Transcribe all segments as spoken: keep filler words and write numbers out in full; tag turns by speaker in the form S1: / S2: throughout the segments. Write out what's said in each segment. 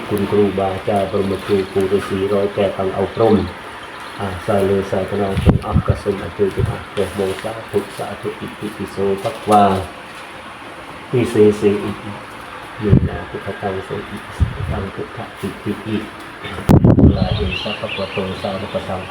S1: คุณครูบาอาจารย์ปรมครูปูฤาษีร้อยแปดทางเอาพรมอาสายเลยสายพนองจงอักกษมอจุจุอาเกโมสาธุสาธุอิติปิโสปักวาอิเสเสอิยินาพุทธตังโสอิตังพุทธอิติอิลาเอสัพพะโตสาวกสังโฆ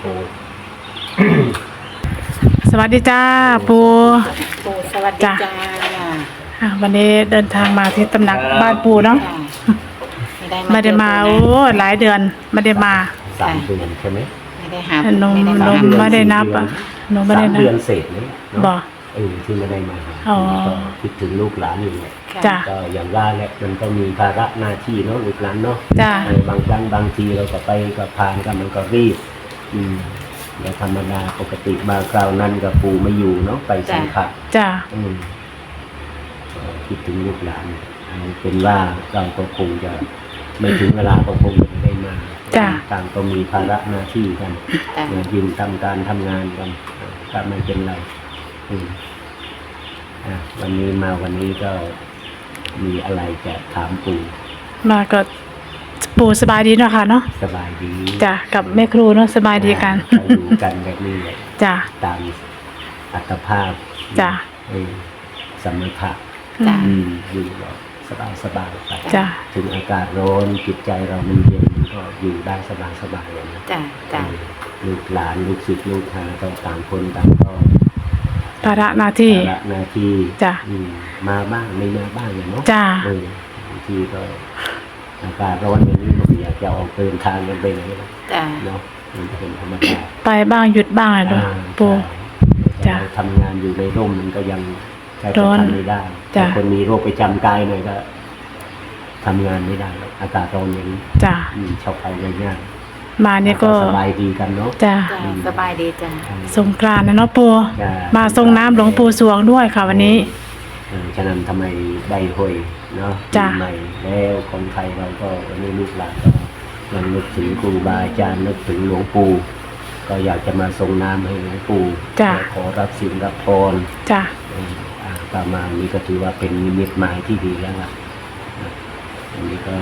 S2: สวัสดีจ้าปู
S3: ปูสวัสดีจ้า
S2: อ่ะวันนี้เดินทางมาที่ตำหนักบ้านปูเนาะไม่ได้มาโอ้หลายเดือนไม่ได้มา
S1: สามเดือนใช่ไหม
S3: ไม่ได้หา
S2: หนูหนูไม่ได้นับอ่ะหนูไม่ได้นับ
S1: เดือนเศษนี่
S2: บอก
S1: เออที่ไม่ได้มา
S2: อ๋อ
S1: ก็คิดถึงลูกหลานอยู่แหละ
S2: จ้า
S1: ก็อย่างว่าแหละมันก็มีภาระหน้าที่เนาะลูกหลานเนาะ
S2: จ้า
S1: บางครั้งบางทีเราก็ไปกับพานกันมันก็รีบอืมและธรรมดาปกติบางคราวนั้นกับปู่ไม่อยู่เนาะไปสังขาร
S2: จ้า
S1: อืมคิดถึงลูกหลานเป็นว่าเราก็คงจะไม่ถึงเวลาก็คงไม่ได้มาต่างก็มีภาระหน้าที่กันยืนทำการทำงานกันก็ไม่เป็นไรอืมอ่ะวันนี้มาวันนี้ก็มีอะไรจะถามปู่
S2: มาก็ปู่สบายดีเนาะค่ะเนาะ
S1: สบายดี
S2: จ้ะกับแม่ครูเนาะสบายดีกัน
S1: อยู่กันแบบนี้เลย
S2: จ้ะ
S1: ตามอัตภาพ
S2: จ้ะ
S1: เออสมถะ
S2: จ้ะ
S1: อยู่สบายสบายไป
S2: จ้ะ
S1: ถึงอากาศร้อนจิตใจเรามันเย็นก็อยู่ได้สบายสบายเลยนะ
S3: จ้ะจ้ะ
S1: ลูกหลานลูกศิษย์ลูกหาก็ต่างคนต่างก็
S2: ภาระหน้าที่
S1: ภาระหน้าที่
S2: จ้ะ
S1: มาบ้างไม่มาบ้างเนาะ
S2: จ้ะ
S1: บางทีก็อากาศร้อนอย่างนี้บางทีอยากจะออกเดินทางกันไปไหนเนาะมันเป็นธรรมดา
S2: ไปบ้างหยุดบ้างเลยปู่
S1: จ้ะทำงานอยู่ในร่มมันก็ยังใช้ทำไม่ได้แต่คนมีโรคประจำกายหน่อยก็ทำงานไม่ได้อากาศร้อนอย่างนี้
S2: จ้ะ
S1: ชาวไทยง่าย
S2: มาเนี่ยก็
S1: สบายดีกันเนาะ
S2: จ้ะ
S3: สบายดีจ้ะ
S2: สงกรานต์นะเนาะปู่มาส่งน้ำหลวงปู่สวงด้วยค่ะวันนี้
S1: ฉะนั้นทำไมได้ห่วยเนาะใหม่แล้วคนไทยเราก็วันนี้ลูกหลานก็ยังนึกถึงครูบาอาจารย์นึกถึงหลวงปู่ก็อยากจะมาส่งน้ำให้หลวงปู่ขอรับศีลรับพร
S2: จ้ะ
S1: ประมาณนี้ก็ถือว่าเป็นนิมิตหมายที่ดีแล้วล่ะอันนี้ก็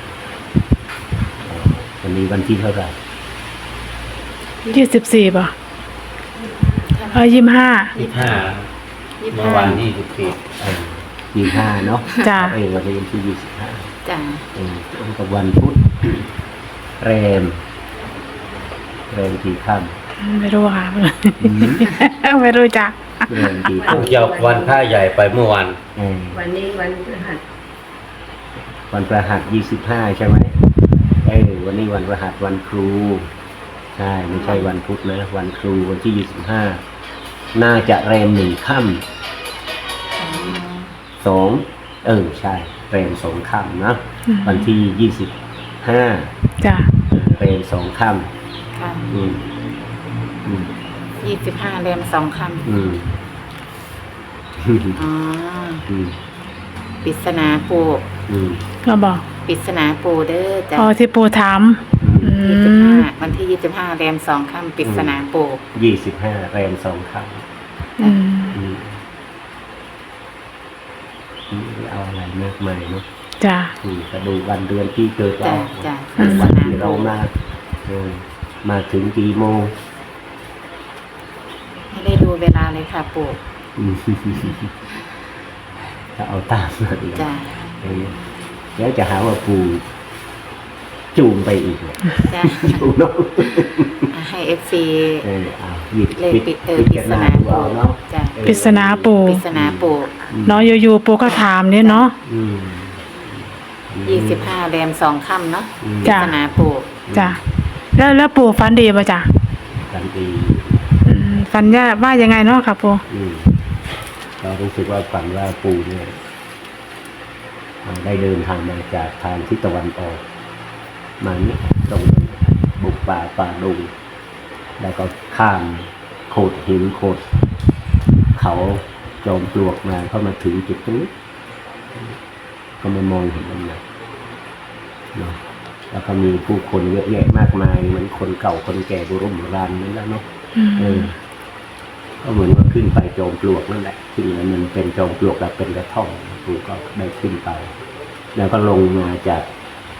S1: วันนี้วันที่เท่าไหร่
S2: ยี่สิบสี่ป่ะเออยี่สิบห้า
S1: ยี่สิบห้าเมื่อวันที่สิบสี่ยี่สิบห้าเนาะ
S2: จ้ะ
S1: เออวันนี้วันที่ยี่สิบห้า
S3: จ้ะ
S1: เออตรงกับวันพุธแรมแรมกี่ค่
S2: ำไม่รู้ค่ะไม่รู้จัก
S1: แรมกี่ค่
S4: ำยกวันพระใหญ่ไปเมื่อวัน
S3: วันนี้วันพฤหัส
S1: วันพฤหัสยี่สิบห้าใช่ไหมเออวันนี้วันพฤหัสวันครูใช่ไม่ใช่วันพุธนะวันครูวันที่ยี่สิบห้าน่าจะแรมหนึ่งค่ำสองเออใช่แรมสองค่ำนะวันที่ยี่สิบห้า
S2: จ้ะ
S1: แรมสองค่ำ
S3: ค่ะ
S1: อืมอืม
S3: ยี่สิบห้าแรมสองค่ำ
S1: อืม
S3: อ๋อ
S1: อืม
S3: ปริศนาปู่
S1: อืม
S2: ก็บอก
S3: ปริศนาปู่เด้อจ้ะ
S2: อ๋อที่ปู่ถาม
S3: ยี่สิบห้าวันที่ยี่สิบห้าแรมสองค่ำปริศนาปู่
S1: ยี่สิบห้าแรมสองค่ำ
S2: อืม
S1: เอาอะไรมากมายเนาะ
S2: จ้ะ
S1: ก็ดูวันเดือนที่เกิดเรา
S3: วัน
S1: ที่เรามามาถึงกี่โมง
S3: ไม่ได้ดูเวลาเลยค่ะปู่
S1: ถ้าเอาตามมาดี
S3: จ้ะ
S1: แล้วจะหาว่าปู่จูงไปอีกเลยจูงน้อง
S3: ให้เอฟซี
S1: เออเอาหยิบ
S3: เลยปิดเออปริศนาปู่
S1: เนาะ
S2: ปริศนาปู่
S3: ปริศนาปู่
S2: เนาะอยู่ๆปู่ก็ถามเนี่ยเนาะ
S3: ยี่สิบห้าแรมสองค่ำเนาะปริศนาปู่
S2: จ้ะแล้วแล้วปู่ฝันดีป่ะจ้ะ
S1: ฝันดี
S2: ฝันว่ายังไงเนาะครับปู่
S1: เรารู้สึกว่าฝันว่าปู่เนี่ยได้เดินทางมาจากทางทิศตะวันออกมาเนี่ยตรงบุกป่าป่าดงแล้วก็ข้ามโขดหินโขดเขาจอมปลวกมาเข้ามาถึงจุดนี้ก็มามองเห็นมันเลยเนาะแล้วก็มีผู้คนเยอะแยะมากมายเหมือนคนเก่าคนแก่โบราณโบราณนั่นแหละเนาะเออก็เหมือนว่าขึ้นไปจอมปลวกนั่นแหละขึ้นแล้วมันเป็นจอมปลวกแล้วเป็นกระท่อมปู่ก็ได้ขึ้นไปแล้วก็ลงมาจาก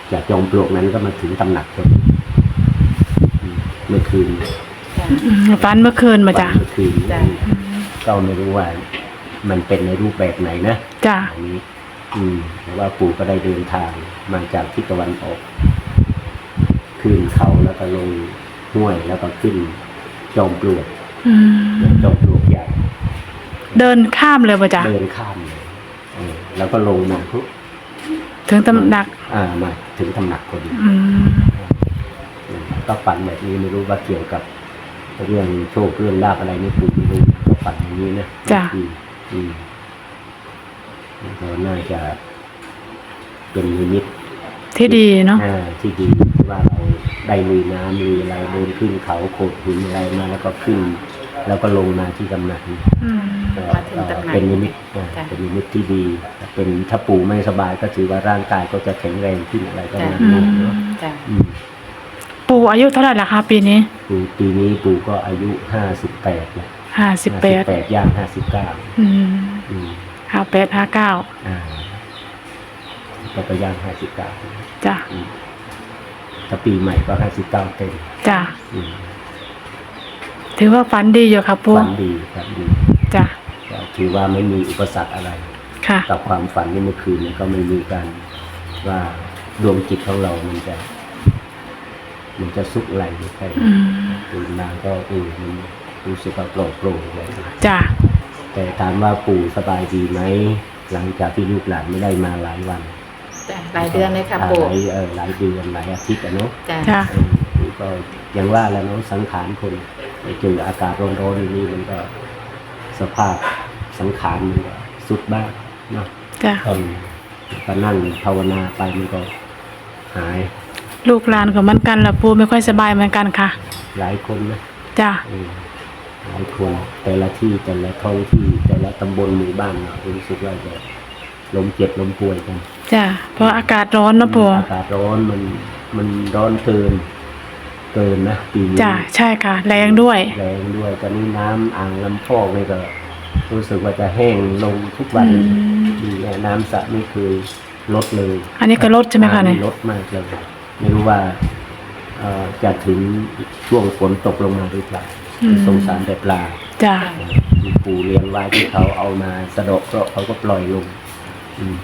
S1: จากจอมปลวกนั้นก็มาถึงตำหนักคนอืมเมื่อคืน
S3: จ้ะ
S2: อืมฝันเมื่อคืนมาจ้ะ
S1: เมื่อคืน
S3: จ้ะ
S1: ก็ไม่รู้ว่า มันเป็นในรูปแบบไหนนะ
S2: จ้ะ
S1: อันนี้ อืมแต่ว่าปู่ก็ได้เดินทางมาจากทิศตะวันออกขึ้นเขาแล้วก็ลงห้วยแล้วก็ขึ้นจอมปลวก
S2: อืม
S1: จอมปลวกใหญ่
S2: เดินข้ามเลยมาจ้ะ
S1: เดินข้ามเลยเออแล้วก็ลงมาปุ๊บ
S2: ถึงตำหนัก
S1: อ่ามาถึงตำหนักคน
S2: อืม
S1: ก็ฝันแบบนี้ไม่รู้ว่าเกี่ยวกับเรื่องโชคเรื่องลาภอะไรนี่ปู่ไม่รู้ก็ฝันอย่างนี้นะ
S2: จ้ะ
S1: อืมอืมก็น่าจะเป็นนิมิต
S2: ที่ดีเนาะ
S1: อ่าที่ดีที่ว่าเราได้ลุยน้ำลุยอะไรเดินขึ้นเขาโขดหินอะไรมาแล้วก็ขึ้น แล้วก็ลงมาที่ตำหนัก
S2: อืม
S1: ก็
S3: มาถึงตำหนัก
S1: เป็นนิมิตอ่า
S3: จ้ะ
S1: เป็นนิมิตที่ดีเป็นถ้าปู่ไม่สบายก็ถือว่าร่างกายก็จะแข็งแรงขึ้นอะไรประมาณ
S2: อื
S1: นี้
S2: ม
S1: เนาะ
S3: จ้ะ
S1: อืม
S2: ปู่อายุเท่าไหร่ละคะปีนี้
S1: ปู่ปีนี้ปู่ก็อายุห้าสิบแปดแล้ว
S2: ห้าสิบแปด
S1: แปดย่างห้าสิบเก้า
S2: อืม
S1: อืม
S2: ห้าแปดห้าเก้า
S1: อ่าก็ไปย่างห้าสิบเก้า
S2: จ้ะ
S1: ถ้าปีใหม่ก็ห้าสิบเก้าเต็ม
S2: จ้ะ
S1: อืม
S2: ถือว่าฝันดีอยู่ค่ะปู่
S1: ฝันดีฝันดี
S2: จ้ะ
S1: ก็ถือว่าไม่มีอุปสรรคอะไร
S2: ค่ะ
S1: กับความฝันในเมื่อคืนเนี่ยก็ไม่มีการว่าดวงจิตของเรามันจะ มันจะสุกไหลไม่ใช่
S2: อืม
S1: ตื่นมาก็เออมันรู้สึกว่าโปร่งโปร่งเลย
S2: จ้ะ
S1: แต่ถามว่าปู่สบายดีไหมหลังจากที่ลูกหลานไม่ได้มาหลายวัน
S3: จ้ะหลายเดือนเลยค่ะปู่
S1: หลายเออหลายเดือนหลายอาทิตย์อะเนาะ
S3: จ้ะ
S2: จ้ะ
S1: เออปู่ก็อย่างว่าแล้วเนาะสังขารคนไปเจออากาศร้อนๆอย่างนี้มันก็สภาพสังขารมันก็สุดบ้างเนาะ
S2: จ้ะ
S1: เออก็นั่งภาวนาไปมันก็หาย
S2: ลูกหลานก็เหมือนกันละปู่ไม่ค่อยสบายเหมือนกันค่ะ
S1: หลายคนนะ
S2: จ้ะ
S1: เออหลายคนแต่ละที่แต่ละท้องที่แต่ละตำบลหมู่บ้านเนาะรู้สึกว่าจะล้มเจ็บล้มป่วยกัน
S2: จ้ะเพราะอากาศร้อนนะปู่
S1: อากาศร้อนมันมันร้อนเกิน เกินนะปีนี้
S2: จ้ะใช่ค่ะ แรงด้วย
S1: แรงด้วยตอนนี้น้ำอ่างลำพอกนี่ก็รู้สึกว่าจะแห้งลงทุกวัน
S2: อืม
S1: อืมเนี่ยน้ำสระไม่เคยลดเลย
S2: อันนี้ก็ลดใช่ไหมคะเนี่ย
S1: น้ำลดมากเลยไม่รู้ว่าเอ่อจะถึงช่วงฝนตกลงมาหรือเปล่าสงสารแต่ปลา
S2: จ้ะ
S1: มีปูเลี้ยงไว้ที่เขาเอามาสะเดาะเคราะห์เขาก็ปล่อยลงอืม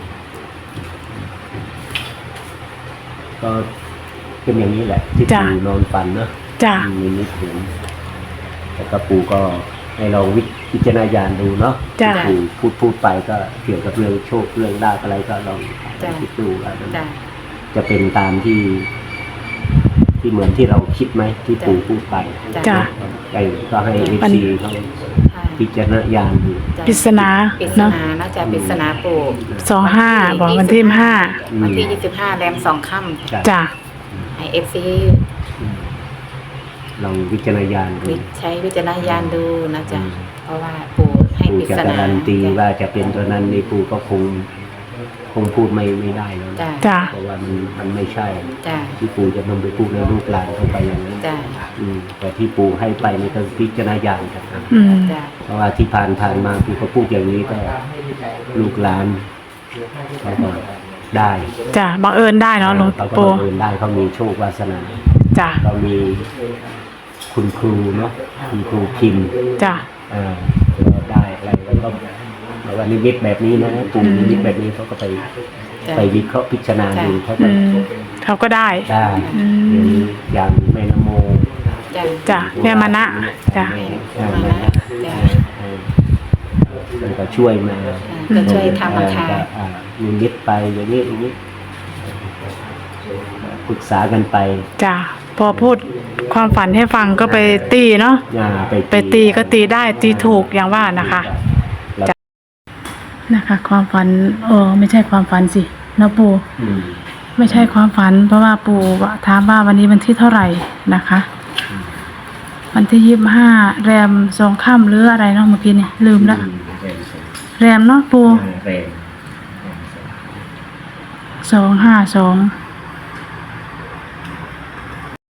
S1: ก็เป็นอย่างนี้แหละ ที่
S2: จ้ะ
S1: ปูนอนฝันเนอะ
S2: จ้ะ
S1: มีนิดถึงแต่ก็ปูก็ให้เราวิพิจารณญาณดูเนาะ
S2: จ้ะ
S1: ปูพูดพูดไปก็เกี่ยวกับเรื่องโชคเรื่องลาภอะไรก็ลอง
S3: จ้ะ
S1: คิดดูว่ามัน
S3: จ้ะ
S1: จะเป็นตามที่ ที่เหมือนที่เราคิดไหมที่ปูพูดไป
S2: จ้ะ
S1: ไอ้ก็ให้เอฟ
S2: มัน
S1: ซีเขา
S3: ค่ะ
S1: พิจารณญาณดู
S3: จ้ะ
S2: ปริศนา
S3: ปริศ
S2: เนาะ
S3: นาเนาะจ้ะปริศนาปู่
S2: สองห้าบอกวันที่ห้า
S3: วันที่ยี่สิบห้าแรมสองค่ำ
S2: จ้ะ
S3: ให้เอฟซี
S1: อืมลองพิจารณญาณดู
S3: ใช้วิจารณญาณดูนะจ๊ะ
S1: อืม
S3: เพราะว่าปู่ให้
S1: ปู
S3: ปริ
S1: จะ
S3: ศ
S1: กา
S3: นา
S1: รันตีว่าจะเป็นตัวนั้นในปูก็คง คงพูดไม่ไม่ได้แล้วนะ
S3: จ้ะ
S2: จ้ะ
S1: เพราะว่ามันมันไม่ใช่
S3: จ้ะ
S1: ที่ปูจะนำไปพูดในลูกหลานเข้าไปอย่างนั้น
S3: จ้ะ
S1: อืมแต่ที่ปูให้ไปนี่ก็พิจารณญาณกันนะ
S2: อืม
S3: จ้ะ
S1: เพราะว่าที่ผ่านผ่านมาปูก็พูดอย่างนี้ก็ลูกหลานเขาก็ได้
S2: จ้ะบังเอิญได้เนาะหลวง
S1: เขาก็
S2: ปู่
S1: บังเอิญได้เขามีโชควาสนา
S2: จ้ะ
S1: เรามีคุณครูเนาะคุณครูพิมพ์
S2: จ้ะ
S1: อ่าเราได้อะไรแล้วก็แล้วก็นิมิตแบบนี้นะปู่นิมิตแบบนี้เขาก็ไป
S3: จ้ะ
S1: ไปวิเคราะห์พิจารณาดูเขา
S2: อื
S1: ก็
S2: มเขาก็ได้
S1: ได้
S2: อืม
S1: อย่างนี้อย่างแม่นโม
S3: จ้ะ
S2: จ้ะแม่มานะจ้ะ
S1: แม่
S3: มา
S1: แม่
S3: นะ
S1: นะ
S3: จ้ะ
S1: เออมันก็ช่วยมา
S3: ก็ช่วยทำราคา
S1: เออก็อ่านิมิตไปอย่างนี้อย่างนี้ปรึกษากันไป
S2: จ้ะพอพูดความฝันให้ฟังก็ไปตีเนาะ
S1: อ่าไป
S2: ไปตีก็ตีได้ตีถูกอย่างว่านะคะ
S1: แล้ว
S2: นะคะ ความฝันเออไม่ใช่ความฝันสินะปู่
S1: อืม
S2: ไม่ใช่ความฝัน เพราะว่าปู่ถามว่าวันนี้วันที่เท่าไหร่นะคะ วันที่ยี่สิบห้าแรมสองค่ำหรืออะไรเนาะเมื่อกี้เนี่ยลืมละ
S1: อืมแรงสอง
S2: แรมเนาะปู่
S1: แรง
S2: สองห้าสอง
S1: อ